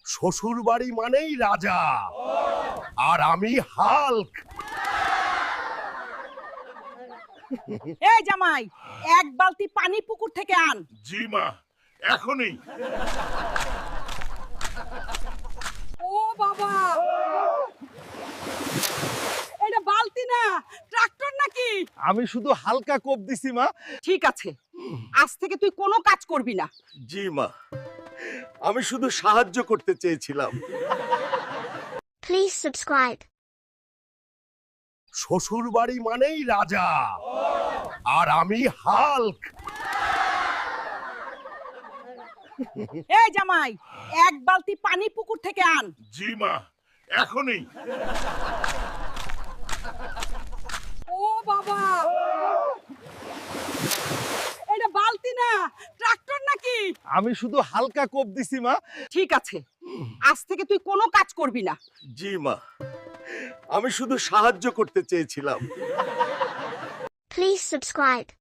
শ্বশুর বাড়ি মানেই রাজা, আর আমি হাল্ক। এই জামাই, এক বালতি পানি পুকুর থেকে আন। জি মা, এখনই। ও বাবা, এটা বালতি না, ট্রাক্টর নাকি? আমি শুধু হালকা কোপ দিছি মা। ঠিক আছে, আজ থেকে তুই কোনো কাজ করবি না। জি মা, আমি শুধু সাহায্য করতে চেয়েছিলাম। Please subscribe. শ্বশুর বাড়ি মানেই রাজা, আর আমি হাল্ক। এই জামাই, এক বালতি পানি পুকুর থেকে আন। জি মা, এখনই। ও বাবা, এটা বালতি না, ট্রাক্টর নাকি? আমি শুধু হালকা কোপ দিছি মা। ঠিক আছে, আজ থেকে তুই কোনো কাজ করবি না। জি মা, আমি শুধু সাহায্য করতে চেয়েছিলাম। Please subscribe.